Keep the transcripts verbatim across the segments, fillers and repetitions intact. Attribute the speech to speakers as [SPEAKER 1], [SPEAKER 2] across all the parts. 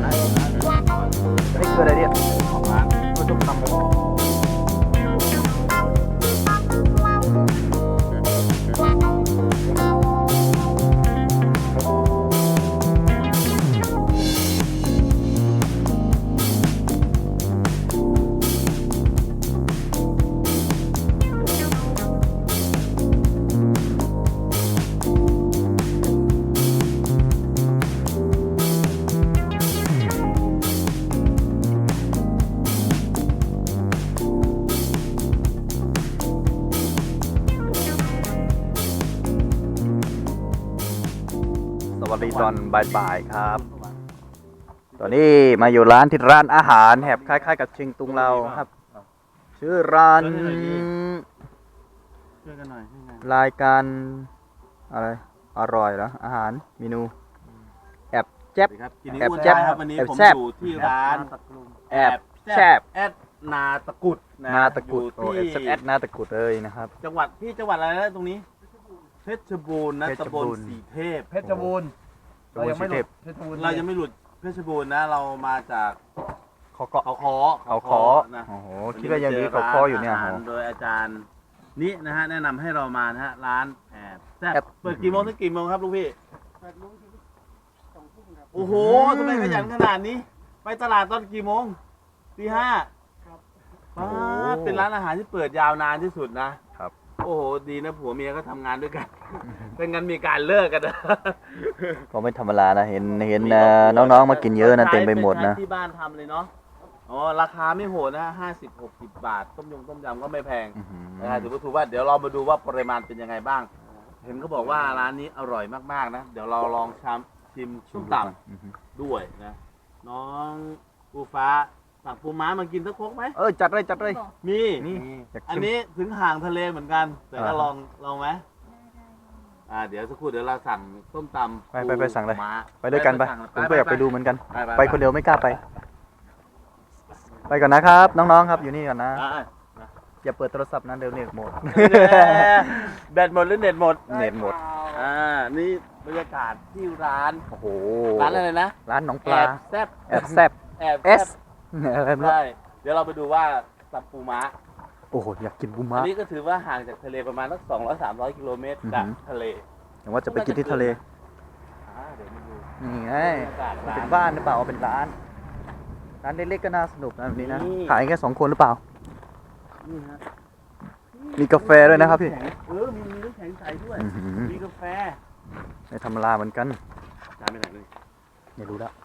[SPEAKER 1] อนนะนี่คืออะไรเนี่ยของร้านก็ต้องทำไปสวัสดีตอนบ่ายๆครับตอนนี้มาอยู่ร้านที่ร้านอาหารแหบคล้ายๆกับเชียงตุงเราครับชื่อร้านรายการอะไรอร่อยเหรออาหารเมนูแอบแจ๊บแอบแจ๊บ
[SPEAKER 2] ครับวันนี้ผมอยู่ที่ร้าน
[SPEAKER 1] แอบแซ่บ
[SPEAKER 2] แอดนาตะกุด
[SPEAKER 1] นาตะกุดโอ้แอบแอดนาตะกุดเลยนะครับ
[SPEAKER 2] จังหวัดพี่จังหวัดอะไรนะตรงนี้เพชรบูรณ์นะตำบลสีเทพ
[SPEAKER 3] เพชรบูรณ์เรายังไม่หลุด
[SPEAKER 2] เรายังไม่หลุดเพชรบูรณ์นะเรามาจาก
[SPEAKER 1] เขาเกาะ
[SPEAKER 2] เขาคอ
[SPEAKER 1] เขาคอนะโอ้โหคิดว่ายังมีเขาคออยู่เนี่ย
[SPEAKER 2] โดยอาจารย์นี่นะฮะแนะนำให้เรามานะฮะร้านแอบแซ่บเปิดกี่โมงถึงกี่โมงครับลูกพี่
[SPEAKER 3] แปดโมงถึงสองทุ่มครับ
[SPEAKER 2] โอ้โหทำไมขยันขนาดนี้ไปตลาดตอนกี่โมงตีห้า
[SPEAKER 3] ครับ
[SPEAKER 2] เป็นร้านอาหารที่เปิดยาวนานที่สุดนะครับโอ้โหดีนะผัวเมียก็ทำงานด้วยกันเป็นงั้นมีการเลิกกันนะ
[SPEAKER 1] ก็ไม่ธรรมดานะเห็นเห็นน้องๆมากินเยอะนะเต็มไปหมดนะ
[SPEAKER 2] ที่บ้านทำเลยเนาะอ๋อราคาไม่โหดนะห้าสิบหกสิบบาทต้มยงต้มยำก็ไม่แพงนะถือว่าถูกว่าเดี๋ยวเรามาดูว่าปริมาณเป็นยังไงบ้างเห็นเขาบอกว่าร้านนี้อร่อยมากๆนะเดี๋ยวเราลองชิมชิมส้มตำด้วยนะน้องปูฟ้าสั่งปูม้ามากินสักครกไหม
[SPEAKER 1] เออจัดเลยจัดเลย
[SPEAKER 2] มีนี่อันนี้ถึงห่างทะเลเหมือนกันแต่ก็ลองลองไหมอ่าเดี๋ยวสักครู่เดี๋ยวเราสั่งส้มตำ
[SPEAKER 1] ไปไปไปสั่งเลยไปด้วยกันไปผมก็อยากไปดูเหมือนกันไปคนเดียวไม่กล้าไปไปก่อนนะครับน้องๆครับอยู่นี่ก่อนนะอย่าเปิดโทรศัพท์นะเดี๋ยวเน็ตหมด
[SPEAKER 2] แบตหมดหรือเน็ตหมด
[SPEAKER 1] เน็ตหมด
[SPEAKER 2] อ่านี่บรรยากาศที่ร้าน
[SPEAKER 1] โอ้โห
[SPEAKER 2] ร้านอะไรนะ
[SPEAKER 1] ร้านหนองปลา
[SPEAKER 2] แซ่บ
[SPEAKER 1] แอบแซ่บ
[SPEAKER 2] แอบ
[SPEAKER 1] เอส
[SPEAKER 2] ใช่เดี๋ยวเราไปดูว่าซับปูม้า
[SPEAKER 1] โอ้โหอยากกินปูม้า
[SPEAKER 2] อันนี้ก็ถือว่าห่างจากทะเลประมาณสักสองร้อยสามร้อยกิโลเมตรจากทะเล
[SPEAKER 1] แต่ว่าจะไปกินที่ทะเลนี่ไงเป็นบ้านหรือเปล่าเป็นร้านร้านเล็กๆก็น่าสนุกนะแบบนี้นะขายแค่สองคนหรือเปล่ามีกาแฟด้วยนะครับพี่
[SPEAKER 2] เออมีน้ำแข็งใสด้วยมีกาแฟ
[SPEAKER 1] ในธรรมดาเหมือนกัน
[SPEAKER 2] ร้านไปไหนเลย
[SPEAKER 1] ไม่รู้ละ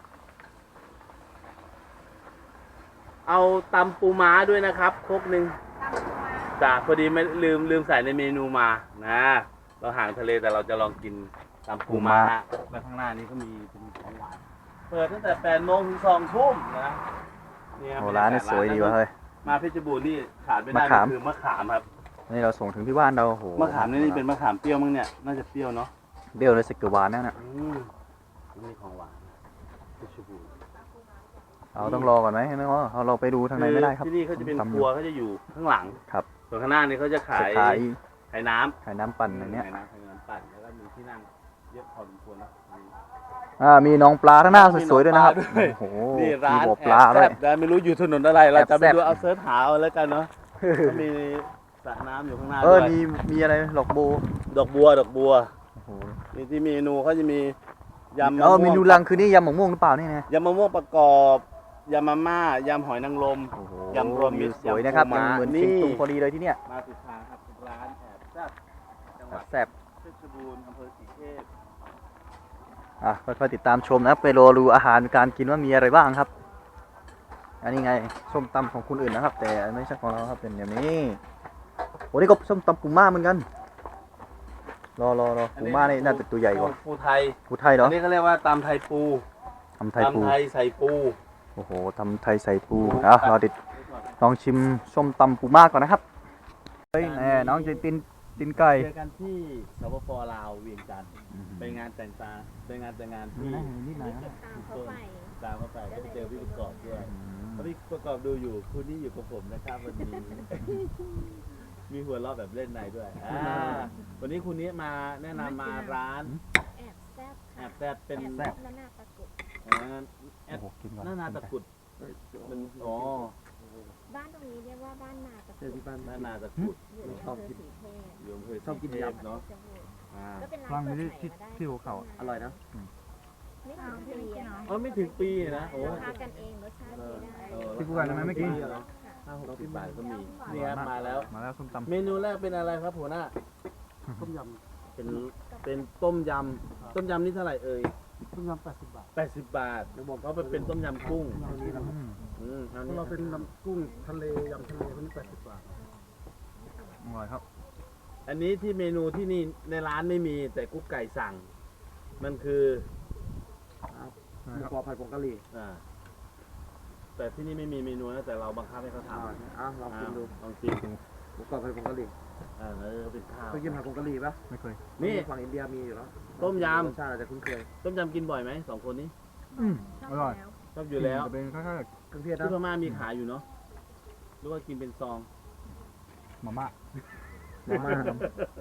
[SPEAKER 2] เอาตำปูม้าด้วยนะครับครกหนึ่งจ้าพอดีไม่ลืมลืมใส่ในเมนูมานะเราห่างทะเลแต่เราจะลองกินตำปูม้าแล้วข้างหน้านี้ก็มีเป็นของหวานเปิดตั้งแต่แปดโมงถึงสองทุ่มนะ
[SPEAKER 1] โอ้ร้านนี่สวยดีวะเฮ้ย
[SPEAKER 2] มาเพชรบูรณ์นี่ขาดไม่ได้คือมะขามครับ
[SPEAKER 1] นี่เราส่งถึงที่บ้านเราโห
[SPEAKER 2] มะขามนี่นี่เป็นมะขามเปรี้ยวมั้งเนี่ยน่าจะเปรี้ยวเนาะ
[SPEAKER 1] เปรี้ยวเลยสิกหวานนั่นน่ะ
[SPEAKER 2] นี่ของหวานเพชรบูรณ์
[SPEAKER 1] เราต้องรอก่อนไหมเนาะเราไปดูทางไหนไม่ได้ครับ
[SPEAKER 2] ที่นี่เขาจะเป็นครัวเขาจะอยู่ข้างหลัง
[SPEAKER 1] ครับ
[SPEAKER 2] ส่วนข้างหน้านี่เขาจะขายขายน้ำ
[SPEAKER 1] ขายน้ำปั่นอย่างเนี้ย
[SPEAKER 2] ขายน้ำขายน้ำปั่นแล้วก็มีที่นั่งเยอะพอสมควรนะ
[SPEAKER 1] อ่ามีน้องปลาทั้งหน้าสวยๆด้วยนะครับโอ้โห
[SPEAKER 2] นี่ร้าน
[SPEAKER 1] ปลาด้วย
[SPEAKER 2] ไม่รู้อยู่ถนนอะไรเราจะไปดูเอาเซิร์ชหาเอาแล้วกันเนาะมีสระน้ำอยู่ข้างหน้าด้วย
[SPEAKER 1] เออมีมีอะไรดอกบัว
[SPEAKER 2] ดอกบัวดอกบัวมีที่เมนูเขาจะมียำ
[SPEAKER 1] เออเมนูลังคือนี่ยำมะม่วงหรือเปล่านี่ไง
[SPEAKER 2] ยำมะม่วงประกอบยำมาม่ายำหอยนางรมยำรวมมิตร
[SPEAKER 1] สวยนะครับเหมือนชิงตุงพอดีเลยที่เนี้ย
[SPEAKER 2] มาติดทางครับร้านแอบแซ่บจังหวัด
[SPEAKER 1] แซ่บ
[SPEAKER 2] เพชรบูรณ์อำเภอสีเทพ
[SPEAKER 1] อ่ะค่อยๆติดตามชมนะไปรอดูอาหารการกินว่ามีอะไรบ้างครับอันนี้ไงส้มตำของคนอื่นนะครับแต่ไม่ใช่ของเราครับเป็นอย่างนี้โอ้นี่ก็ส้มตำปูม่าเหมือนกันรอรอรอปูม่านี่น่าจะตัวใหญ่กว่า
[SPEAKER 2] ปูไทย
[SPEAKER 1] ปูไทยเหรอ
[SPEAKER 2] อันนี้เขาเรียกว่าตำไทยปู
[SPEAKER 1] ตำไทยปู
[SPEAKER 2] ตำไทยใส่ปู
[SPEAKER 1] โอ้โหตำไทยใส่ปูอ่ะรอติดลองชิมส้มตำปูม่าก่อนนะครับเฮ้ยแน่น้องจะตินตินไก่
[SPEAKER 2] เจอกันที่สปป.ลาวเวียงจันทร์ไปงานแต่งตาไปงานแต่งงานที่ตามเข้าไปก็ไปเจอพี่ประกอบด้วยพี่ประกอบดูอยู่คุณนี่อยู่กับผมนะครับวันนี้มีหัวเราะแบบเล่นในด้วยวันนี้คุณนี้มาแนะนำมาร้าน
[SPEAKER 4] แอบแซ่บ
[SPEAKER 2] แอบแซ่บเป็น
[SPEAKER 4] แอบแซ่บนาตะกุด
[SPEAKER 2] โอ่าแอ
[SPEAKER 1] โอ้
[SPEAKER 2] ด
[SPEAKER 1] โหกินก่อน
[SPEAKER 2] หน้านาตะกรุดมันอ๋อ
[SPEAKER 4] บ้านตรงนี้เรียกว่าบ้านนาตะ
[SPEAKER 3] เจอที่บ้าน
[SPEAKER 2] หน้านาตะกรุด
[SPEAKER 4] อยู่ในอำเภอสีเทพ
[SPEAKER 2] อยู่อำเภอ
[SPEAKER 3] ชอบกิน
[SPEAKER 2] ศรีเทพ
[SPEAKER 3] ยำ
[SPEAKER 2] เนาะอ่า
[SPEAKER 4] ก็เป็นร้าน
[SPEAKER 1] ฟัง
[SPEAKER 4] เปิด
[SPEAKER 1] ที่
[SPEAKER 4] ใหม่
[SPEAKER 1] ที่
[SPEAKER 4] มาได้
[SPEAKER 1] ที่หัวเขา
[SPEAKER 3] อร่อยนะ
[SPEAKER 4] ไม่ถึงปีอะ
[SPEAKER 2] เออไม่ถึงปีนะโอ้
[SPEAKER 4] ราคากันเองรสชาติดีได้
[SPEAKER 2] เออ
[SPEAKER 1] พี่กูกันทำไมไม่กิน
[SPEAKER 2] ห้าหกสิบบาทก็มีนี่ครับมาแล้ว
[SPEAKER 1] มาแล้วส้มตำ
[SPEAKER 2] เมนูแรกเป็นอะไรครับหัวหน้า
[SPEAKER 3] ต้มย
[SPEAKER 2] เป็นเป็นต้มยำต้มยำนี่เท่าไหร่เอ่ย
[SPEAKER 3] ำต้มยำแปดสิบบาท
[SPEAKER 2] แปดสิบบาทเพราะมันเป็นต้มยำกุ้ง
[SPEAKER 3] อันนี้นะครับ
[SPEAKER 1] อืม
[SPEAKER 2] อืมอัน
[SPEAKER 3] เพ
[SPEAKER 2] นี้
[SPEAKER 3] ราะเราเป็นน้ำกุ้งทะเลยำทะเลคนนี้แปดสิบบาท
[SPEAKER 1] อร่อยครับ
[SPEAKER 2] อันนี้ที่เมนูที่นี่ในร้านไม่มีแต่กุ๊กไก่สั่ง มันคือ
[SPEAKER 3] หมูกรอบผัดผงกะหรี่
[SPEAKER 2] อ่าแต่ที่นี่ไม่มีเมนูนะแต่เราบังคับให้เขาทำ
[SPEAKER 3] อ่าอ่ะลองกินดู
[SPEAKER 2] ลองกิน
[SPEAKER 3] หมูกรอบผัดผงกะหรี่
[SPEAKER 2] อ่าแล้วก็เป็นข้าว
[SPEAKER 3] เคยกินผัดผงกะหรี่ปะ
[SPEAKER 1] ไม่เคย
[SPEAKER 2] นี่
[SPEAKER 3] ฝั่งอินเดียมีอยู่แล้ว
[SPEAKER 2] ต้มยำ
[SPEAKER 3] รสชาติอาจจะคุ้นเคย
[SPEAKER 2] ต้มยำกินบ่อยไหมสองคนนี้
[SPEAKER 1] อืมอร่อย
[SPEAKER 2] ชอบอยู่แล้ว
[SPEAKER 1] จะเป็นคล้ายๆกับ
[SPEAKER 3] เครื่องเทศนะ
[SPEAKER 2] ที่พม่ามีขายอยู่เนาะหรือว่ากินเป็นซอง
[SPEAKER 1] มาม่า
[SPEAKER 3] มาม่าครับ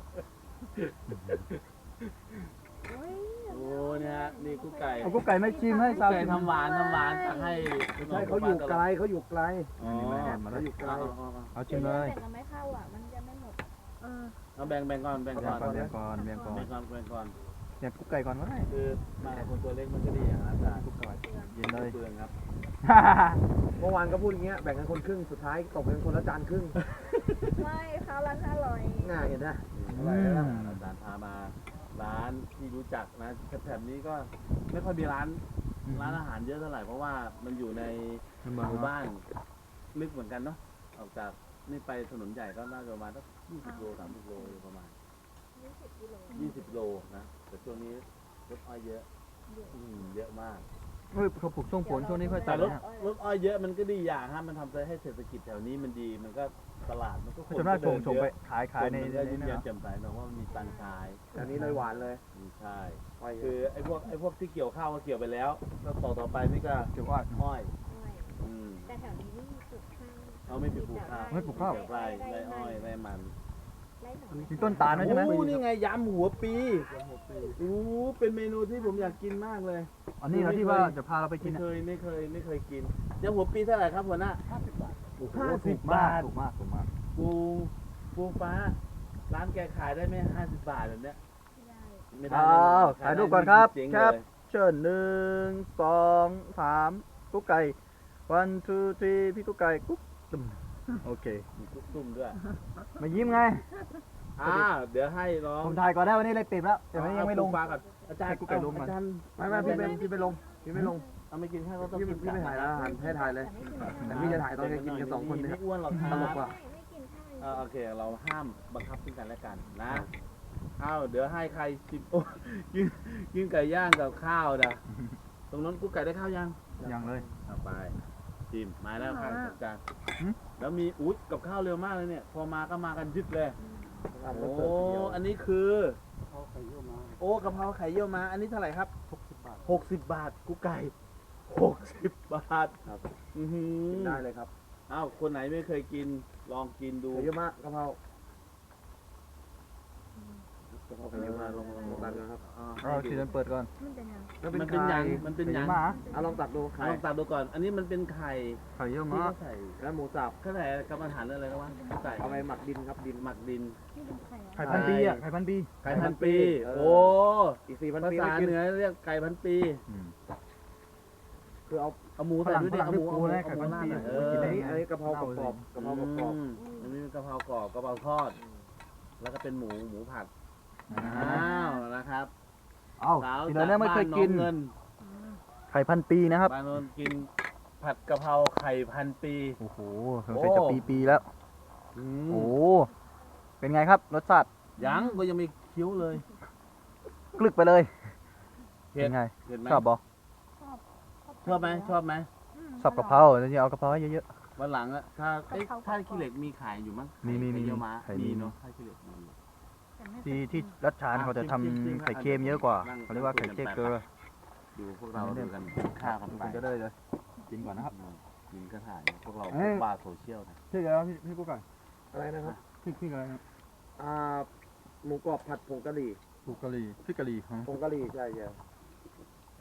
[SPEAKER 2] โอ้เนี่ยฮะนี่กุ๊กไก่
[SPEAKER 1] เอากุ๊กไก่ไม่ชิมให้
[SPEAKER 2] กุ๊ก
[SPEAKER 1] สาว
[SPEAKER 2] ไก่
[SPEAKER 1] ชิม
[SPEAKER 2] ทำหวานทำหวานตักให้
[SPEAKER 3] ใช่เขาอยู่ไกลเขาอยู่ไกล
[SPEAKER 2] อ๋อ
[SPEAKER 3] เขาอยู่ไกล
[SPEAKER 2] เอาเอาเอา
[SPEAKER 1] เอาชิมเลย
[SPEAKER 4] แต่เราไม่เข้าอ่ะ มันจะไม่หมด เออ
[SPEAKER 2] เอาแบ่งแบ่งก่อนแบ่ง
[SPEAKER 1] แบ่
[SPEAKER 2] ก่
[SPEAKER 1] ง
[SPEAKER 2] อน
[SPEAKER 1] ก่อนแบ่งก่อนแบ่งก่อน
[SPEAKER 2] แบ่งก่อนแบ่งก่อน
[SPEAKER 1] เนี่ยกุ๊กไก่ก่อนก็ได้
[SPEAKER 2] คือมากับคนตัวเล็กมันก็ดีอย่างนั้นจ้ะ
[SPEAKER 1] กุ๊กไก่เย็นเลย
[SPEAKER 2] เปลืองครับ
[SPEAKER 3] เมื่อวานก็พูดอย่างเงี้ยแบ่งกันคนครึ่งสุดท้ายตกเป็นคนละจานครึ่ง
[SPEAKER 4] ไม่ข้าวร้านอร่อย
[SPEAKER 3] ง่ายเห็นไหม
[SPEAKER 2] อะไรนะอาจารย์พามาร้านที่รู้จักนะแถบๆนี้ก็ไม่ค่อยมีร้านร้านอาหารเยอะเท่าไหร่เพราะว่ามันอยู่ใน
[SPEAKER 1] ในเมื
[SPEAKER 2] ห
[SPEAKER 1] อง
[SPEAKER 2] มู่
[SPEAKER 1] เนอะ
[SPEAKER 2] บ้านลึกเหมือนกันเนาะออกจากนี่ไปถนนใหญ่ก็น่าจะประมาณสักยี่สิบโลสามสิบโลอยู่ประมาณ
[SPEAKER 4] ยี่สิบกิโล
[SPEAKER 2] ยี่สิบโลนะแต่ช่วงนี้รถอ้อยเยอะอืมเยอะมาก
[SPEAKER 1] เฮ้ยเขาปลูกช่วงฝนช่วงนี้ค่อย
[SPEAKER 2] แต่
[SPEAKER 1] ตัด
[SPEAKER 2] รถ
[SPEAKER 1] นะ
[SPEAKER 2] รถอ้อยเยอะมันก็ดีอย่างฮะมันทำให้เศรษฐกิจแถวนี้มันดีมันก็ตลาดมันก็
[SPEAKER 1] เขาจะน่าชงชงไปขาย
[SPEAKER 2] ขา
[SPEAKER 1] ขาย ย
[SPEAKER 2] ใน
[SPEAKER 1] ใน
[SPEAKER 2] มัน
[SPEAKER 1] ใน
[SPEAKER 2] ก็ยิ้ม
[SPEAKER 1] นี้
[SPEAKER 2] แย้ม
[SPEAKER 1] นะ
[SPEAKER 2] แจ่มใสเนอะว่ามันมีตังค์ใช้
[SPEAKER 3] อันนี้เลยหวานเลย
[SPEAKER 2] อืมใช่
[SPEAKER 3] ไป
[SPEAKER 2] คือไอ้พวกไอ้พวกที่เกี่ยวข้าวก็เกี่ยวไปแล้วแล้วต่อต่อไปนี่ก็
[SPEAKER 1] เกี่ยวว่า
[SPEAKER 2] อ้อย
[SPEAKER 4] อ้อย
[SPEAKER 2] อืม
[SPEAKER 4] แต่แถวนี้ไม่มีปลูกข้าว
[SPEAKER 2] เอาไม่ไปปลูกข้าว
[SPEAKER 1] ไม่ปลูกข้าว
[SPEAKER 2] ไร่ไร่อ้อยไร่มัน
[SPEAKER 4] ไร่ของ
[SPEAKER 1] มีต้นตาลด้วยใช่ไหม
[SPEAKER 2] โอ้นี่ไงยำหัวปีโอ้เป็นเมนูที่ผมอยากกินมากเลย
[SPEAKER 1] อันนี้เราที่ว่าจะพาเราไปกิ
[SPEAKER 2] ไม่
[SPEAKER 1] น
[SPEAKER 2] เค
[SPEAKER 1] อะ
[SPEAKER 2] ยไม่เคยไม่เคยกินยำหัวปีเท่าไหร่ครับหัวหน้า
[SPEAKER 3] ห้าสิบบาท
[SPEAKER 1] โอ้โห
[SPEAKER 2] ห้าสิ
[SPEAKER 1] ถู
[SPEAKER 2] บ
[SPEAKER 1] กมาก
[SPEAKER 2] บาท
[SPEAKER 1] ถูกมากถูกมาก
[SPEAKER 2] ปูปูฟ้า ร้านแกขายได้ไหมห้าสิบบาทแบบเนี้ย
[SPEAKER 4] ไม่ได้
[SPEAKER 2] ไม่ได้
[SPEAKER 1] อ้าว
[SPEAKER 2] เล
[SPEAKER 1] ถ่ายรูปก่อนครับ
[SPEAKER 2] เจ๊ง
[SPEAKER 1] ครับ
[SPEAKER 2] เลย
[SPEAKER 1] เชิญหนึ่งสองสามกุ๊กไก่ one two three พี่กุ๊กไก่กุ๊กตึมโอเค
[SPEAKER 2] มีกุ๊กตุ้มด้วย
[SPEAKER 1] มายิ้มไง
[SPEAKER 2] อ่าเดี๋ยวให้น้อง
[SPEAKER 1] ผมถ่ายก่อนได้วันนี้เลยปิดแล้วแต่วันนี้ยังไม่ลง
[SPEAKER 2] ปูฟ้าก่อนอาจารย์
[SPEAKER 1] ให้กุ๊กไก่ลงก่อน
[SPEAKER 2] อาจารย์
[SPEAKER 3] ไม่ไม่พี่เป็นพี่ไปลงพี่ไม่ลง
[SPEAKER 2] เอาไม่กินข้าวก็ต้อง
[SPEAKER 3] พี่
[SPEAKER 2] กิน
[SPEAKER 3] พี่ไม่ถ่ายแล้วอาหารให้ถ่ายเลย
[SPEAKER 4] แต่ไม่กิน
[SPEAKER 3] แต่พี่จะถ่ายตอนแกกินกันสองคนเนี่ย
[SPEAKER 2] ไม่อ้วนหรอกค
[SPEAKER 3] ต
[SPEAKER 2] รับ
[SPEAKER 3] ลกว่ะ
[SPEAKER 4] ไม่ไม่กินข้าว
[SPEAKER 2] เออโอเค เราห้ามบังคับซึ่งกันและกันนะเอาเดี๋ยวให้ใครสิบโอ้กินกินไก่ย่างกับข้าวนะตรงนั้นกุ๊กไก่ได้ข้าวยัง
[SPEAKER 1] ยังเลย
[SPEAKER 2] เอาไปจิมมาแล้วครับอาจารย์
[SPEAKER 1] หืม
[SPEAKER 2] แล้วมีอุ๊ยกับข้าวเร็วมากเลยเนี่ย พอมาก็มากันยึดเลย
[SPEAKER 3] ร้านร
[SPEAKER 2] โอ้
[SPEAKER 3] ถเสิร์ฟเดียว
[SPEAKER 2] อันนี้คือ
[SPEAKER 3] เขาไข่เยี่ยวมา
[SPEAKER 2] โอ้กะเพราไข่เยี่ยวมา อันนี้เท่าไหร่ครับ
[SPEAKER 3] หกสิบบาท
[SPEAKER 2] หกสิบบาทกุ๊กไก่หกสิบบาท
[SPEAKER 3] ครับ
[SPEAKER 2] อือหือ
[SPEAKER 3] กินได้เลยครับ
[SPEAKER 2] อ้าวคนไหนไม่เคยกินลองกินดู
[SPEAKER 3] ไข่เยี่ยวมากะเพรากะเพราไข่เยี่ยวมาลองลองลองตักดูนะครับ
[SPEAKER 2] อ่า
[SPEAKER 1] เราทีนั้นเปิดก่อน
[SPEAKER 4] มันเป็นยัง
[SPEAKER 3] แล้ว
[SPEAKER 2] มันเป็นยังมันเป็นยัง
[SPEAKER 1] หมา
[SPEAKER 3] อ่ะลองตักดูไข่
[SPEAKER 2] ลองตัดดูก่อน อันนี้มันเป็นไข่
[SPEAKER 1] ไข่เยี่ยว
[SPEAKER 2] ที่
[SPEAKER 1] ม้า
[SPEAKER 2] เขาใส่
[SPEAKER 3] แล้วหมูสับ
[SPEAKER 2] เขาใส่กับอาหารอะไรนะวะไก่
[SPEAKER 3] เอาไปหมักดินครับดิน
[SPEAKER 2] หมักดิน
[SPEAKER 4] นี่เป็นไข่
[SPEAKER 1] ไข่พันปีอ่ะไข่พันปี
[SPEAKER 2] ไก่พันปี
[SPEAKER 3] เออ
[SPEAKER 2] โอ้
[SPEAKER 3] อีกสี่พัน
[SPEAKER 2] ภา
[SPEAKER 3] ปี
[SPEAKER 2] ษา
[SPEAKER 3] ไม่กิน
[SPEAKER 2] เหนือเรียกไก่พันปี
[SPEAKER 1] อืม
[SPEAKER 3] คือเอา
[SPEAKER 2] เอาหมู
[SPEAKER 1] ฝ
[SPEAKER 2] ใส่
[SPEAKER 1] รั่ง
[SPEAKER 2] ด้วย
[SPEAKER 1] ฝ
[SPEAKER 2] ดิ
[SPEAKER 1] รั่ง
[SPEAKER 2] เอาหมู
[SPEAKER 1] ที่ปู
[SPEAKER 2] เอาหมู
[SPEAKER 1] นะไข่พันปี
[SPEAKER 2] เอ
[SPEAKER 1] โอ้ย
[SPEAKER 2] อ
[SPEAKER 1] กินได้
[SPEAKER 3] อัน
[SPEAKER 1] ไง
[SPEAKER 3] นี้อันนี้กะเพรากรอบๆกะเพรากรอบ
[SPEAKER 2] อืมอันนี้กะเพรากรอบกะเพราทอด แล้วก็เป็นหมูหมูผัด
[SPEAKER 1] อ่า
[SPEAKER 2] อ้าวนะครับ
[SPEAKER 1] เอ้า
[SPEAKER 2] สาว
[SPEAKER 1] ที
[SPEAKER 2] จา
[SPEAKER 1] นั้
[SPEAKER 2] ก
[SPEAKER 1] นไม่
[SPEAKER 2] บ้า
[SPEAKER 1] เคย
[SPEAKER 2] นน้อ
[SPEAKER 1] กิน
[SPEAKER 2] งเงิน
[SPEAKER 1] ไข่พันปีนะครับ
[SPEAKER 2] บ้านโนนกินผัดกะเพราไข่พันปี
[SPEAKER 1] โอ้โหสงสัยจะปีปีๆแล้ว
[SPEAKER 2] อื
[SPEAKER 1] โอ้
[SPEAKER 2] ม
[SPEAKER 1] โหเป็นไงครับรสชาติ
[SPEAKER 2] ยังก็ยังไม่เคี้ยวเลย
[SPEAKER 1] กลึกไปเลย
[SPEAKER 2] เผ็
[SPEAKER 1] เป็
[SPEAKER 2] ด
[SPEAKER 1] นไง
[SPEAKER 2] เผ็ดไหม
[SPEAKER 1] ชอบบ่
[SPEAKER 2] ชอบไหมชอบไหม
[SPEAKER 1] ชอบกะเพราจริงๆเอากะเพราให้เยอะ
[SPEAKER 2] วันหลังอะถ้าเอ้ยถ้าขี้เหล็กมีขายอยู่มั้ง
[SPEAKER 1] มีมีมี
[SPEAKER 2] ไข่เยี่ยวม้า
[SPEAKER 1] ไข่มี
[SPEAKER 2] มีเนาะถ้าขี้เหล็กมี
[SPEAKER 1] ๆที่ที่รัชชานเขาจะทำไข่เค็มเยอะกว่าเขาเรียกว่าไข่เค็มเกลือ
[SPEAKER 2] ดูพวกเราดูกันข้าวกันไป
[SPEAKER 1] คุณจะได้เลยกินก่อนนะครับ
[SPEAKER 2] กินก็ถ่ายพวกเรา
[SPEAKER 1] เอ้ย
[SPEAKER 2] บ้าโซเชียลนะ
[SPEAKER 1] ชื่ออะไรพี่พี่กุ๊กไก่
[SPEAKER 3] อะไรนะครับ
[SPEAKER 1] พี่พี่อะไรนะ
[SPEAKER 3] อ่าหมูกรอบผัดผงกะหรี่
[SPEAKER 1] กุ๊กกะหรี่พี่กะหรี่ของ
[SPEAKER 3] ผงกะหรี่ใช่ใช่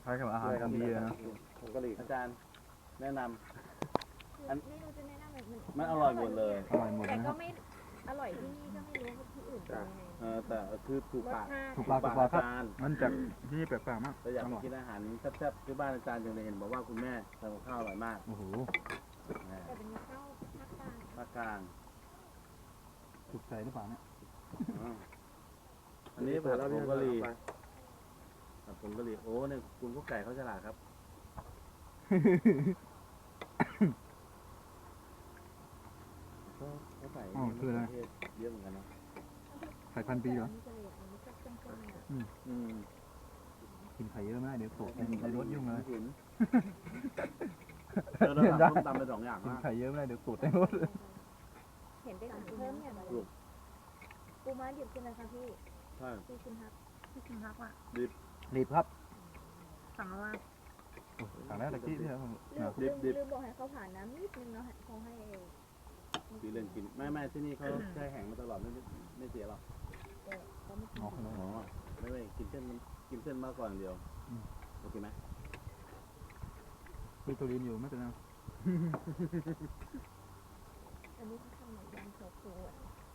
[SPEAKER 1] คล้ายกับอาหารของดีนะ
[SPEAKER 3] ผงกะหรี่
[SPEAKER 2] อาจารย์แนะนำ อัน
[SPEAKER 4] ไม่รู้จะแนะนำแบบมัน
[SPEAKER 2] มันอร่อยหมดเลย
[SPEAKER 1] อร่อยหมด
[SPEAKER 4] แต่
[SPEAKER 1] นะค
[SPEAKER 4] ก็
[SPEAKER 1] รับ
[SPEAKER 4] ไม่อร่อยที่นี่ก็ไม่รู้ว่าที่อื่นเป็นยังไง
[SPEAKER 2] เออแต่คือถูก
[SPEAKER 4] รส
[SPEAKER 2] ปาก
[SPEAKER 4] ชาติ
[SPEAKER 1] ถูกปากถูกปากครับ
[SPEAKER 2] อาจารย์
[SPEAKER 1] มันจากที่นี่แปลกๆมาก
[SPEAKER 2] เราอยาก
[SPEAKER 1] อ
[SPEAKER 2] ไป
[SPEAKER 1] ร่อย
[SPEAKER 2] กินอาหารแซ่บๆที่บ้านอาจารย์จังเลยเห็นบอกว่าคุณแม่ทำกับข้าวอร่อยมาก
[SPEAKER 1] โอ้โห
[SPEAKER 2] นะ
[SPEAKER 4] แต่เป็นข้าวภาคกลาง
[SPEAKER 2] ภาคกลาง
[SPEAKER 1] ถูกใจหรือเปล่าเนี่ย
[SPEAKER 2] อ๋ออันนี้ผัดผงกะหรี่ผัดผงกะหรี่โอ้เนี่ยคุณกุ๊กไก่เขาฉลาดครับเขาเขาใส่
[SPEAKER 1] อ๋อคืออะไร
[SPEAKER 2] มะเขืเทศเยอะเหมือนกันนะ
[SPEAKER 1] ไข่พันปีเหรอ
[SPEAKER 4] นี่ก็เลยอันนี้ก็เข้มข้นอ่ะ
[SPEAKER 2] อืม
[SPEAKER 1] กินไข่เยอะไม่ได้เดี๋ยวตกในในรถยุ่งเลย
[SPEAKER 2] หินเออเราสั่งส้มตำไปสองอย่าง
[SPEAKER 1] กิน
[SPEAKER 2] นะ
[SPEAKER 1] ไข่เยอะไม่ได้เดี๋ยวตกในรถ
[SPEAKER 4] เห็นได้สั่งเพิ่มอย่างไรปูม้าดิบใช่ไหมคะพี่
[SPEAKER 2] ใช่
[SPEAKER 4] พี่คุณฮักพี่คุณฮักอ่ะ
[SPEAKER 1] รีบครับ
[SPEAKER 4] สั่งมาว่า
[SPEAKER 1] โอ้สั่งแล้วตะกี้ที่เรา
[SPEAKER 4] ลืมลืมลืมบอกให้เขาผ่านน้ำนิดนึงเนาะเขาให้
[SPEAKER 2] คือเรื่องกินไม่ไม่ที่นี่เขาแช่แข็งมาตลอดไม่ไม่ไม่เสียหรอก
[SPEAKER 4] แต่เขาไม่กิน
[SPEAKER 1] อ๋อขนม
[SPEAKER 2] อ๋อไม่ไม่กินเส้นกินเส้นมากกว่าอย่างเดียวโอเคไหม
[SPEAKER 1] มีตัวรีนอยู่ไม่เป็นไร
[SPEAKER 4] อันนี้เขาทำเหมือนยำโชกุอ่ะ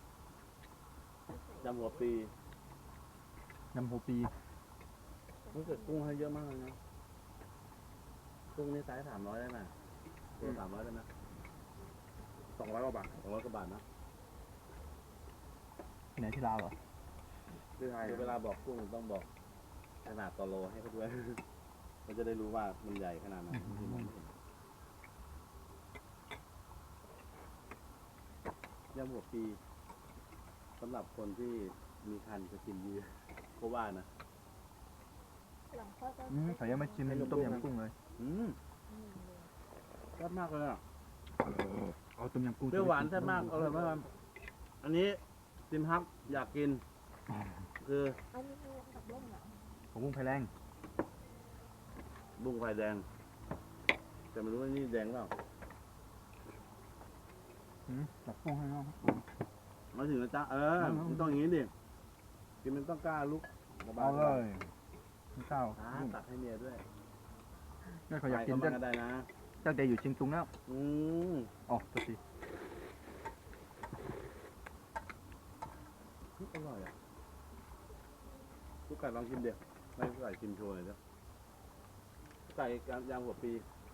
[SPEAKER 2] ยำหัวปี
[SPEAKER 1] ยำโฮปี
[SPEAKER 2] รู้สึกกุ้งให้เยอะมากเลยนะกุ้งนี่ไซส์สามร้อยได้ไหมตัวสามร้อยได้ไหม
[SPEAKER 3] สองร้อยกว่าบาท
[SPEAKER 2] สองร้อยกว่าบาทนะ
[SPEAKER 1] ที่ไหนที่ลาวเหรอ
[SPEAKER 3] ที่ไทย
[SPEAKER 2] คือเวลาบอกกุ้งต้องบอกขนาดต่อโลให้เขาด้วย เขาจะได้รู้ว่ามันใหญ่ขนาดไหนที่มองไม่เห็นยำหัวปีสำหรับคนที่มีคันจะกินเยอะเพราะว่านะ
[SPEAKER 4] หลังคลอดก็
[SPEAKER 1] อืมใส่ยังไม่ชิมต้มยำกุ้งเลย
[SPEAKER 2] อืมแซ่บมากเลยอ่ะ
[SPEAKER 1] เอาต้มยำกุ้ง
[SPEAKER 2] เปรี้ยวหวานแซ่บมากอร่อยมากครับอันนี้ติมฮักอยากกิน คือ
[SPEAKER 4] อันนี้คือกับล่มเหรอ
[SPEAKER 1] ผมกุ้งไฟแรง
[SPEAKER 2] บุ้งไฟแดง แต่ไม่รู้ว่านี่แดงหรือเปล่า
[SPEAKER 1] อืมตักกุ้งให้น้อง
[SPEAKER 2] มาถึงแล้วจ้าเออมันต้องอย่างนี้ดิกินมันต้องกล้าลุกสบา
[SPEAKER 1] เอาเลยไม่เศร้า
[SPEAKER 2] อ่าตักให้เมียด้วย
[SPEAKER 1] นี่เขาอยากกิน
[SPEAKER 2] ไป
[SPEAKER 1] ตั้ง
[SPEAKER 2] ก็ได้นะ
[SPEAKER 1] ตั้งแต่อยู่เชียงตุงแล้ว
[SPEAKER 2] อืม
[SPEAKER 1] อ๋อตัวที
[SPEAKER 2] อร่อยอ่ะลูกไก่ลองชิมเดี๋ยวให้ลูกไก่ชิมโชว์หน่อยจ้ะลูกไก่ยางหัวปี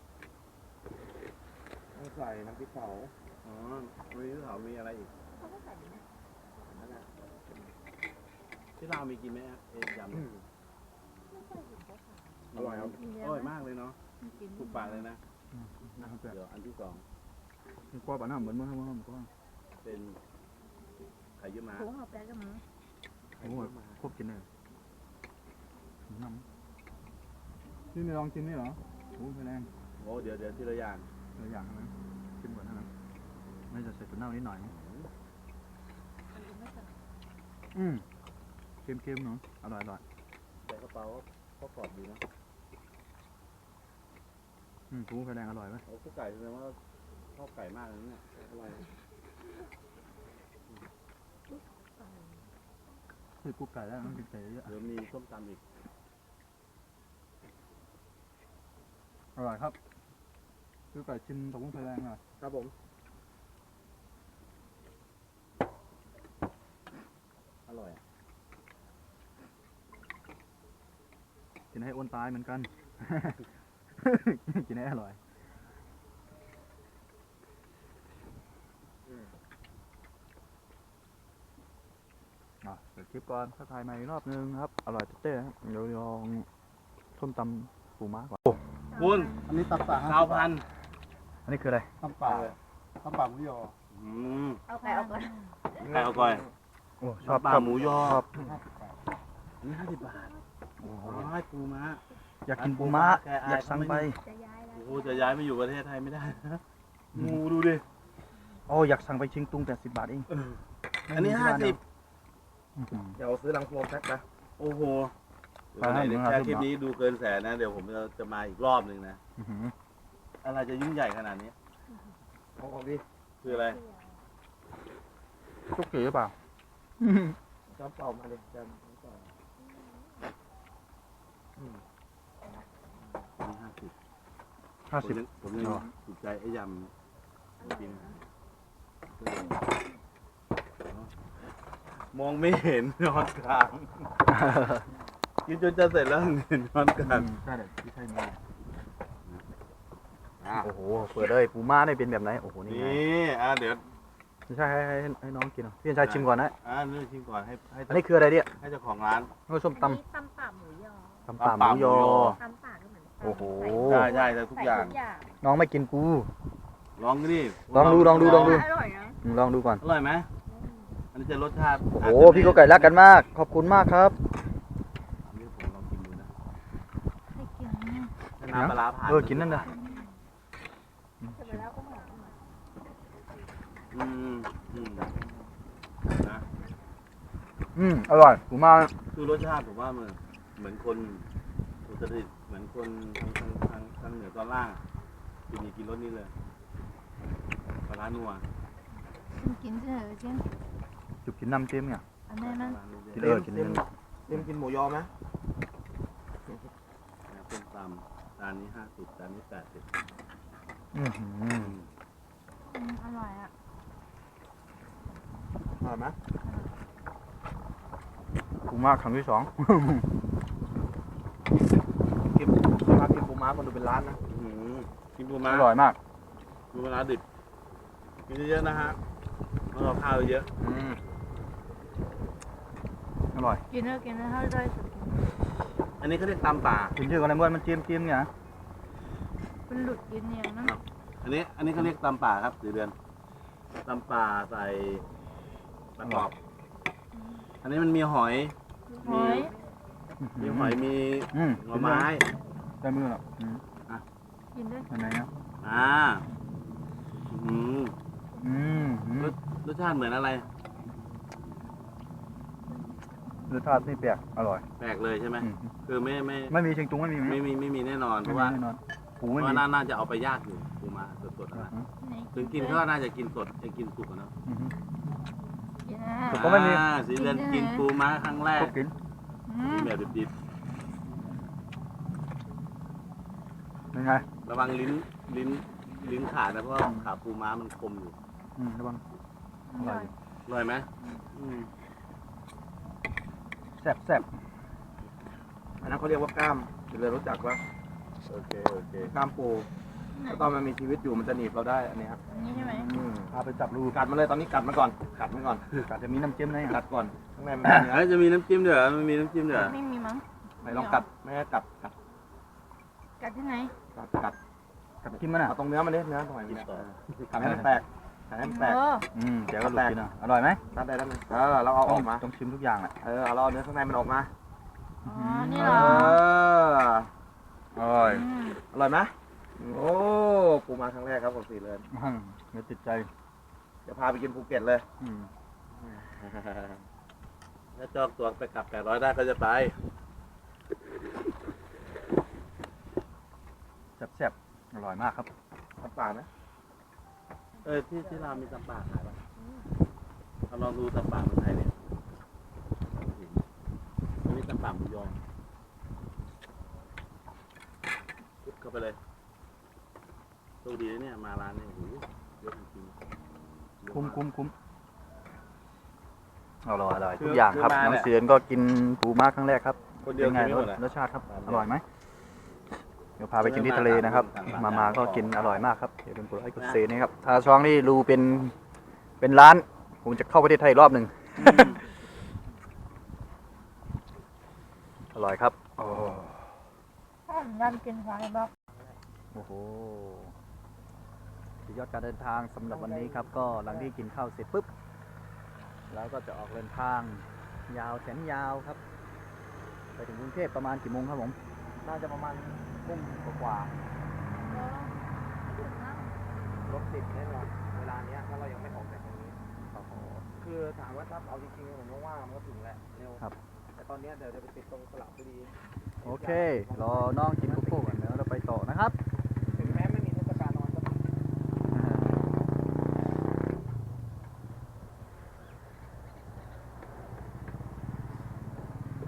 [SPEAKER 3] ต้องใส่น้ำพริกเผา
[SPEAKER 2] อ๋อมีที่เขามีอะไรอีก
[SPEAKER 4] เขาก็ใส่นะ
[SPEAKER 2] นั่นน่ะที่เราวมีกินไหมอะเอ็ยำ
[SPEAKER 3] อืม
[SPEAKER 4] ไม่เคยเห็นเขาขาย
[SPEAKER 3] อร่อยครับ
[SPEAKER 2] อร่อยมากเลยเนาะถูกปากเลยนะ
[SPEAKER 1] อืมนะครับแต่
[SPEAKER 2] เดี๋ยวอันที่สอง
[SPEAKER 1] มันกว่าปะน้ำเหมือนเมื่อเมื่อเมื่อก่อน
[SPEAKER 2] เป็นไข่เยี่ยวม้า
[SPEAKER 4] ถุงเอาแป้งกับมือ
[SPEAKER 1] โอ้โหครบกินเลยน้ำนี่ไม่ลองกินนี่เหรอโอ้ไฟแรง
[SPEAKER 2] โอ้เดี๋ยวเดี๋ยวทีละอย่าง
[SPEAKER 1] หลายอย่างนะกินหมดนะไม่จะใส่ตัวเน่านิดหน่อยนะ
[SPEAKER 4] อันนี้ไม่ใส่
[SPEAKER 1] อืมเค็มๆเนาะอร่อยอร่อย
[SPEAKER 2] ใส่กระเป๋าก็กรอบดีนะ
[SPEAKER 1] อืมกุ้งไฟแรงอร่อยไหม
[SPEAKER 2] โอ้ข้าวไก่แสดงว่าชอบไก่มากเลยนะเนี่ยอร่อย
[SPEAKER 1] คือกุ้งไก่แล้วต้องกินไก่เยอะ
[SPEAKER 2] เดี๋ยวมีส้มตำอีก
[SPEAKER 1] อร่อยครับคือไก่ชิมกับกุ้งไฟแรงหน่อย
[SPEAKER 3] ครับผม
[SPEAKER 2] อร่อยอะ
[SPEAKER 1] กินให้อ้วนตายเหมือนกัน กินให้อร่อย อ่ะเดี๋ยวคลิปก่อนถ้าถ่ายใหม่อีกรอบนึงครับ อร่อยเต้ๆครับเดี๋ยวลองส้มตำปูม้าก่อน
[SPEAKER 2] คุณ
[SPEAKER 3] อันนี้ตับป่า
[SPEAKER 2] ข้าวพัน
[SPEAKER 1] อันนี้คืออะไร
[SPEAKER 3] ตับป่าตับป่าหมูยอ
[SPEAKER 2] อืม
[SPEAKER 4] เอาไก่เอาก่อน
[SPEAKER 2] ไก่เอาก่อย
[SPEAKER 1] โอ้ชอบ
[SPEAKER 2] ปลา
[SPEAKER 1] ชอบ
[SPEAKER 2] หมูยอ
[SPEAKER 1] ชอบ
[SPEAKER 3] ห้าสิบบาท
[SPEAKER 2] อันนี้ห้าสิบบาท
[SPEAKER 1] โอ้โห
[SPEAKER 2] โอ้ยปูม้า
[SPEAKER 1] อยากกินปูม้า
[SPEAKER 2] แกอาย
[SPEAKER 1] อยากสั่งไป
[SPEAKER 4] จะย้ายแล้ว
[SPEAKER 2] โอ้โหจะย้ายมาอยู่ประเทศไทยไม่ได้นะงูดูดิ
[SPEAKER 1] โอ้อยากสั่งไปเชียงตุงแต่สิบบาทเอง
[SPEAKER 2] อันนี้ห้าสิบ
[SPEAKER 1] อื้อหือ
[SPEAKER 3] เดี๋ยวซื้อลังโฟมแพ็คนะ
[SPEAKER 2] โอ้โห
[SPEAKER 1] ไปให้
[SPEAKER 2] เดี๋ยว
[SPEAKER 1] มึง
[SPEAKER 2] แค่
[SPEAKER 1] หา
[SPEAKER 2] คลิป
[SPEAKER 1] ทุนเหรอ
[SPEAKER 2] นี้ดูเกินแสนนะ เดี๋ยวผมจะจะมาอีกรอบหนึ่งนะ
[SPEAKER 1] อื้อหือ
[SPEAKER 2] อะไรจะยิ่งใหญ่ขนาดนี้
[SPEAKER 3] ของของดี
[SPEAKER 2] คืออะไร
[SPEAKER 1] ทุกกี่หรือเปล่า
[SPEAKER 3] จำเป่ามาเลยจำเป่า
[SPEAKER 1] ห้า
[SPEAKER 2] ผ
[SPEAKER 1] สิ
[SPEAKER 2] ม
[SPEAKER 1] บ
[SPEAKER 2] ยังผมยัง
[SPEAKER 1] อ๋อ
[SPEAKER 2] ติดใจไอ้ยำกินมองไม่เห็นนอนกลางกินจนจะเสร็จแล้วเห็นนอนกลาง
[SPEAKER 1] ใช่เลยที่ใช่นี่
[SPEAKER 2] อ่ะ
[SPEAKER 1] โอ้โหเปิดเลยปูม้าได้เป็นแบบไหนโอ้โหนี่
[SPEAKER 2] นี่
[SPEAKER 1] ไง
[SPEAKER 2] อ่ะเดี๋ยว
[SPEAKER 1] ไม่ใช่ให้ให้ให้น้องกินเหรอพี่ชายชิมก่อนนะ
[SPEAKER 2] อ่านี่ชิมก่อนให้ให้
[SPEAKER 1] อันนี้คืออะไรเนี่ย
[SPEAKER 2] ให้เจ้าของร้าน
[SPEAKER 1] โอ้ส้ม
[SPEAKER 4] อัน
[SPEAKER 1] ตำ
[SPEAKER 4] นี้ตำป่าหมูยอ
[SPEAKER 1] ตำป่าหมูยอ
[SPEAKER 4] ตำป่าก็เหมือนตำ
[SPEAKER 1] โอ้โห
[SPEAKER 2] ใช่ใช่แต่ทุกอย่าง
[SPEAKER 4] ใส่ทุกอย่าง
[SPEAKER 1] น้องไม่กินปู
[SPEAKER 2] ลองดิ
[SPEAKER 1] ลองดูลองดูลองดู
[SPEAKER 4] อร่อยนะ
[SPEAKER 1] อืมลองดูก่อน
[SPEAKER 2] อร่อยไหมอันนี้จะรสชาติ
[SPEAKER 1] โอ้โหพี่ก็ไก่รักกันมาก ขอบคุณมากครับ
[SPEAKER 2] อันนี้ผมลองกินดูนะ
[SPEAKER 4] ให้กิน
[SPEAKER 2] ให้น้ำปลาร้าผ่าน
[SPEAKER 1] เออกินนั่นนะ
[SPEAKER 4] เสร็จแล้วก็หอม
[SPEAKER 2] อืมอืมนะ
[SPEAKER 1] อืมอร่อยปูม้า
[SPEAKER 2] คือรสชาติผมว่ามันเหมือนคนอุตรดิตถ์เหมือนคนทางทางทางทางเหนือตอนล่างอะกินนี่กินรสนี้เลยปลาร้านัว
[SPEAKER 4] กินเฉยกิน
[SPEAKER 1] จุกกินน้ำจิ้มเนี่ย
[SPEAKER 4] อันนี้มัน
[SPEAKER 2] ปลาร้านัว
[SPEAKER 1] กิน
[SPEAKER 2] เลย
[SPEAKER 1] เออกินนั่น
[SPEAKER 3] เต็มกินหมูยอไหม
[SPEAKER 2] ต้มตำจานนี้ห้าสิบจานนี้แปดสิบ
[SPEAKER 1] อือหือ
[SPEAKER 4] อร่อยอ่ะ
[SPEAKER 3] อร่อยไหม
[SPEAKER 1] ปูม้าครั้งที่สอง
[SPEAKER 3] กินมากินปูม้าคนดูเป็นร้านนะ
[SPEAKER 2] อื้อหือกินปูม้า
[SPEAKER 1] อร่อยมาก
[SPEAKER 2] ปูม้าดิบกินเยอะๆนะฮะแล้วเราข้าวเยอะ
[SPEAKER 1] อืมอร่อย
[SPEAKER 4] กินแล้วกินแล้วให้ได้สุดกิน
[SPEAKER 2] อันนี้เขาเรียกตำป่า
[SPEAKER 1] กินชื่อกันเลยเมื่อมันจิ้มจิ้มเนี่ยนะ
[SPEAKER 4] เป็นหลุดกินอย่างนั้น
[SPEAKER 2] อันนี้ อันนี้เขาเรียกตำป่าครับสีเดือนตำป่าใส่ปลากรอบ อันนี้มันมีหอย
[SPEAKER 4] หอย
[SPEAKER 2] มีหอยมี
[SPEAKER 1] อืม
[SPEAKER 2] หน่อไม้
[SPEAKER 1] ใช้มือหรออืม
[SPEAKER 4] กินด้วย
[SPEAKER 1] อันไหนนะ
[SPEAKER 2] อ่าอืม
[SPEAKER 1] อืมอืม
[SPEAKER 2] รสรสชาติเหมือนอะไร
[SPEAKER 1] รสชาตินี่แปลกอร่อย
[SPEAKER 2] แปลกเลยใช่ไหม
[SPEAKER 1] อืม
[SPEAKER 2] คือไม่ไม่
[SPEAKER 1] ไม่มีเชิงตุงไม่มีไหม
[SPEAKER 2] ไม่มีไม่มีแน่นอน เพ
[SPEAKER 1] ไม่
[SPEAKER 2] ราะ
[SPEAKER 1] มี
[SPEAKER 2] ว่า
[SPEAKER 1] แน่นอนปู
[SPEAKER 2] เพ
[SPEAKER 1] ไม่
[SPEAKER 2] ราะ
[SPEAKER 1] มี
[SPEAKER 2] ว่าน่าน่าจะเอาไปยากอยู่ปูมาสดๆ
[SPEAKER 1] อื
[SPEAKER 2] นะ
[SPEAKER 1] ม
[SPEAKER 2] ถึงกินก็น่าจะกินสดจะกินสุกอะเนาะ
[SPEAKER 1] อืม
[SPEAKER 4] กินนะ
[SPEAKER 1] ผมก็ไม่มี
[SPEAKER 2] อ่าสีเดือนกินปูม้าครั้งแรก
[SPEAKER 1] ก็กิน
[SPEAKER 2] กินแบบดิบ
[SPEAKER 1] เป็นไง
[SPEAKER 2] ๆระวังลิ้นลิ้นลิ้นขาดนะเพราะว่าขาปูม้ามันคมอยู่
[SPEAKER 1] อืมระวังอร่อยอยู่
[SPEAKER 2] อร่อยไหมอืม
[SPEAKER 1] แซ่บแซ่บ
[SPEAKER 3] อันนั้นเขาเรียกว่ากล้ามคุณเลยรู้จักว่า
[SPEAKER 2] โอเคโอเค
[SPEAKER 3] กล้ามปูถ้าตอนมันมีชีวิตอยู่มันจะหนีบเราได้อันนี้ครับ
[SPEAKER 4] นี่ใช่ไหม
[SPEAKER 3] อืม
[SPEAKER 1] พาไปจับรู
[SPEAKER 3] กัดมันเลยตอนนี้กัดมันก่อนกัดมันก่อน
[SPEAKER 1] อาจจะมีน้ำจิ้มนะ
[SPEAKER 3] กัดก่อนข้างในมันเป็นเนื้อ
[SPEAKER 2] เอ้ยจะมีน้ำจิ้มด้วยเหรอมันมีน้ำจิ้มด้วยเหรอ
[SPEAKER 4] ไม่มีมั้ง
[SPEAKER 3] ไหนลองกัดไม่ให้กัดกัด
[SPEAKER 4] กัดที่ไหน
[SPEAKER 3] กัดกัด
[SPEAKER 1] กับจิ้มมันอ่ะ
[SPEAKER 3] เอาตรงเนื้อมันนิดเนื้อหน่อย
[SPEAKER 2] กิน
[SPEAKER 3] เนี่ย
[SPEAKER 2] ต่อ
[SPEAKER 3] กัดให้มันแตกกัดให้มันแตก
[SPEAKER 4] เออ
[SPEAKER 1] อืมเดี๋ยวก็หลุดกินอ่ะอร่อยไหม
[SPEAKER 3] กัดได้แล้วไหมเออเราเอาออกมา
[SPEAKER 1] ต้องชิมทุกอย่างอ่ะ
[SPEAKER 3] เออเอาเราเอาเนื้อข้างในมันออกมา
[SPEAKER 4] อ๋อ นี่
[SPEAKER 3] เอ
[SPEAKER 4] เหรอ
[SPEAKER 3] อ
[SPEAKER 1] อร่อย
[SPEAKER 4] อืม
[SPEAKER 3] อร่อยไหมโอ้ปูมาครั้งแรกครับผมสี่เลย
[SPEAKER 1] อืมเดี๋ยวติดใจ
[SPEAKER 3] เดี๋ยวพาไปกินภูเก็ตเลย
[SPEAKER 1] อืม
[SPEAKER 2] ถ้าจองตัวไปกลับแปดร้อยได้ก็จะไป
[SPEAKER 1] แซ่บแซ่บอร่อยมากครับ
[SPEAKER 3] น้ำปลานะ
[SPEAKER 2] เออที่ที่เราวมีตำป่าขายป่ะเราลองดูตำป่าเมืองไทยเนี่ยอันนี้ตำป่าหมูยอปุ๊บเข้าไปเลยโชคดีนะเนี่ยมาร้านเนี่ยโอ้โหเยอะจริงๆเยอะ
[SPEAKER 1] คุ้ม
[SPEAKER 2] มาก
[SPEAKER 1] คุ้มคุ้มอร่อยอร่อยทุกอย่างครับน้องเสือนก็กินปูม้าครั้งแรกครับ
[SPEAKER 2] คนเดียว
[SPEAKER 1] เป็นไง
[SPEAKER 2] กินไม่หมดอะ
[SPEAKER 1] รสชาติครับอร่อยไหมเดี๋ยวพาไปกินที่ทะเลนะครับ มามาก็กินอร่อยมากครับเดี๋ยวเป็นกดไลค์กดเซนะครับถ้าช่องนี่รูเป็นเป็นร้านผมจะเข้าประเทศไทยอีกรอบหนึ่ง อร่อยครับโอ้
[SPEAKER 4] หอมยันกินไฟบอก
[SPEAKER 1] โอ้โหสุดยอดการเดินทางสำหรับวันนี้ครับ ก็หลังที่กินข้าวเสร็จปุ๊บแล้วก็จะออกเดินทางยาวแสนยาวครับ ไปถึงกรุงเทพประมาณกี่โมงครับผม
[SPEAKER 3] น่าจะประมาณทุ่มกว่าๆรถติดแน่นอนเวลาเนี้ยถ้าเรายังไม่ออกจากตรงนี้คือถามว่าถ้าเอาจริงๆผมว่ามันก็ถึงแหละเร็ว
[SPEAKER 1] ครับ
[SPEAKER 3] แต่ตอนเนี้ยเดี๋ยวจะไปติดตรงสระบุรี
[SPEAKER 1] โอเค รอน้องกินโกโก้ก่อนแล้วเราไปต่อนะครับ
[SPEAKER 3] ถึงแม้ไม่มีเทศกาลนอนก็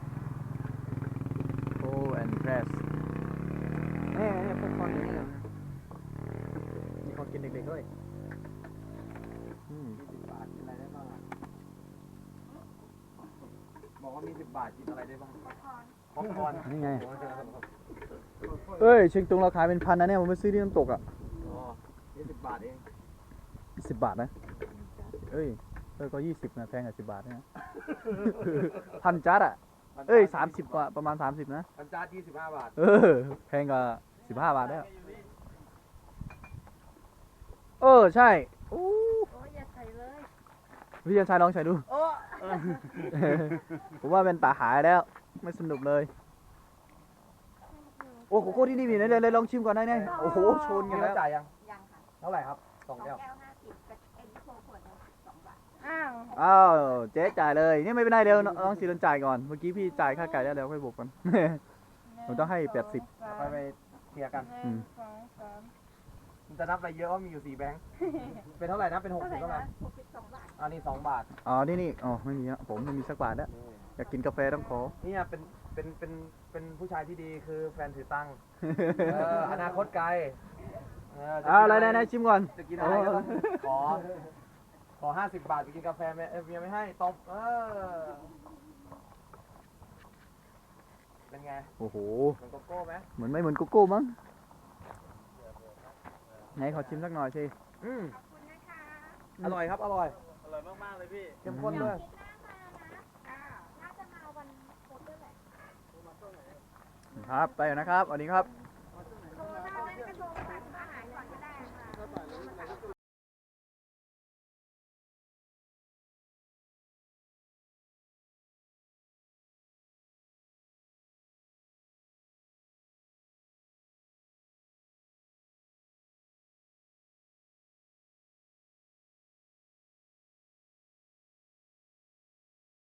[SPEAKER 1] โอ้แอนด์เพรส
[SPEAKER 3] เฮ้ยพวกคนนี้ด็กด้วย
[SPEAKER 1] อืม
[SPEAKER 3] มีสิบบาทกินอะไรได้บ้างอะบอกว่ามีสิบบาทกินอะไรได้บ้างป๊อปคอร์น
[SPEAKER 1] นี่ไง เอ้ยเชียงตุงเราขายเป็นพันนะเนี่ยผมไปซื้อที่น้ำตกอ่ะ
[SPEAKER 3] อ๋อยี่สิบบาทเอง
[SPEAKER 1] สิบบาทนะ เอ้ยเออก็ยี่สิบนะแพงกว่าสิบบาทนะ พันจัดอ่ะ เอ้ยสามสิบกว่าประมาณสามสิบนะ
[SPEAKER 3] พันจานยี่สิบห้าบาท
[SPEAKER 1] เออแพงกว่าสิบห้าบาทแล้วเออใช่โอ้
[SPEAKER 4] โอ้ยอย่าใส่เลย
[SPEAKER 1] พี่ยันชายลองใส่ดู
[SPEAKER 3] โอ้
[SPEAKER 1] ผมว่าเป็นตาหายแล้ว ไม่สนุกเลย โอ้โกโก้ที่นี่มีนะเลยเลยลองชิมก่อนได้ไงโอ้โหชน
[SPEAKER 3] มี
[SPEAKER 1] กัน
[SPEAKER 3] แล้
[SPEAKER 1] แล้ว ว
[SPEAKER 3] จ่ายยัง
[SPEAKER 4] ยังค่ะ
[SPEAKER 3] เท่าไหร่ครับส
[SPEAKER 4] ส
[SPEAKER 3] อ
[SPEAKER 4] อง ง
[SPEAKER 3] แก้
[SPEAKER 4] แก้
[SPEAKER 3] ว
[SPEAKER 4] วห้าสิบกับเอ็นโฟขวดละสองบาทอ้าว
[SPEAKER 1] อ้าวเจ๊จ่ายเลยนี่ไม่เป็นไรเดี๋ยวน้องสีโดนจ่ายก่อนเมื่อกี้พี่จ่ายค่าไก่แล้วเดี๋ยวค่อยบวกกัน ผมต้องให้แปดสิบ
[SPEAKER 3] ไปไปเคลียร์กัน
[SPEAKER 1] อืม
[SPEAKER 4] สองสาม
[SPEAKER 3] มันจะนับอะไรเยอะว่ามีอยู่สี่แบงค์ เป็นเท่าไหร่นะเป็นหก
[SPEAKER 4] เท่าไห
[SPEAKER 3] สิบ
[SPEAKER 4] ร่
[SPEAKER 3] เท่าไหร่
[SPEAKER 4] นะหกสิบสองบาท
[SPEAKER 3] อันนี้สองบาท
[SPEAKER 1] อ๋อนี่นี่อ๋อไม่มีอะผมไม่มีสักบาทแล้วอยากกินกาแฟต้องขอ
[SPEAKER 3] เนี่ยเป็นเป็นเป็นเป็นผู้ชายที่ดีคือแฟนถือตังค์เอออนาคตไกลเออจะ
[SPEAKER 1] อ่า
[SPEAKER 3] กิน
[SPEAKER 1] อะไรไหนๆชิมก่อน
[SPEAKER 3] จะกินอะไรก็ต้องขอ ขอห้าสิบบาทไปกินกาแฟไหมเอ้ยเมียไม่ให้ตบเออเป็นไง
[SPEAKER 1] โอ้โห
[SPEAKER 3] เหมือนโกโก้ไหม
[SPEAKER 1] เหมือนไม่เหมือนโกโก้มั้งไหนขอชิมสักหน่อยสิ
[SPEAKER 3] อืม
[SPEAKER 4] ขอบคุณนะคะ
[SPEAKER 3] อร่อยครับ อร่อย
[SPEAKER 2] อร่อยมากๆเลยพี่
[SPEAKER 3] เข้มข้นด้วย
[SPEAKER 4] คิดหน้ามานะอ่าน่าจะมาวันพุธด้วยแหละ
[SPEAKER 1] ครับไปแล้วนะครับสวัสดีครับ
[SPEAKER 4] โทรได้ไหมกระโทร